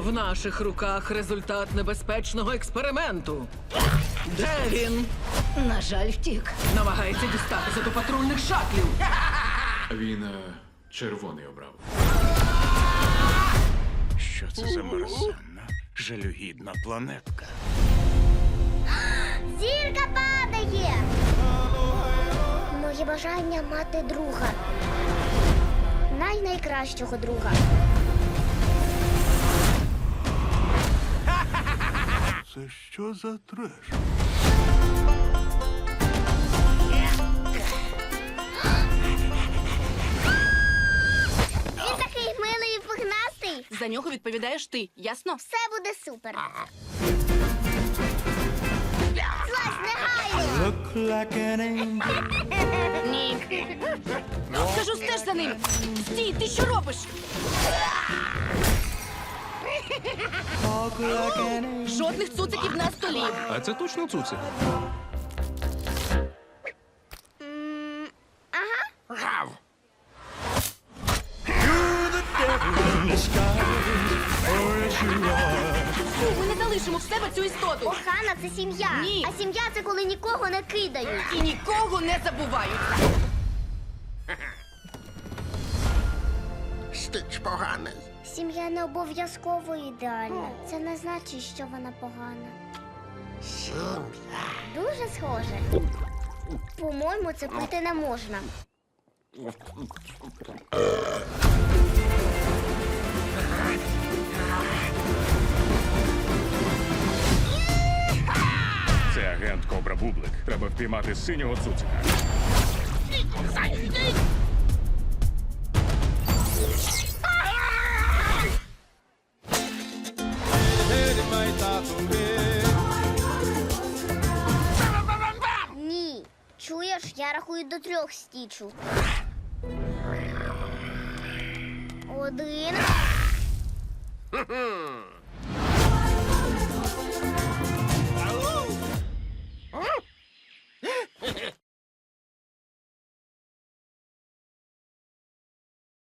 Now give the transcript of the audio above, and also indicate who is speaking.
Speaker 1: В наших руках результат небезпечного експерименту. Де він?
Speaker 2: На жаль, втік.
Speaker 1: Намагається дістатися до патрульних шатлів.
Speaker 3: Він червоний обрав.
Speaker 4: Що це за мерзенна, жалюгідна планетка?
Speaker 5: Зірка падає! Моє бажання мати друга. Найкращого друга.
Speaker 4: Це що за треш?
Speaker 5: Він такий милий і пухнастий.
Speaker 2: За нього відповідаєш ти, ясно?
Speaker 5: Все буде супер. Злазь негайно!
Speaker 2: Ні. Кажу, стеж за ним. Стій, ти що робиш? Жодних цуциків на столі.
Speaker 6: А це точно цуцик?
Speaker 2: Ми не залишимо в себе цю істоту.
Speaker 5: Охана – це сім'я.
Speaker 2: Ні.
Speaker 5: А сім'я – це коли нікого не кидають.
Speaker 2: І нікого не забувають.
Speaker 7: Стич поганий.
Speaker 5: Сім'я не обов'язково ідеальна. Це не значить, що вона погана.
Speaker 7: Сім'я.
Speaker 5: Дуже схоже. По-моєму, це пити не можна.
Speaker 4: Це агент Кобра Бублик. Треба впіймати синього цуцика.
Speaker 5: Ні. Чуєш, я рахую до 3 стічу. 1.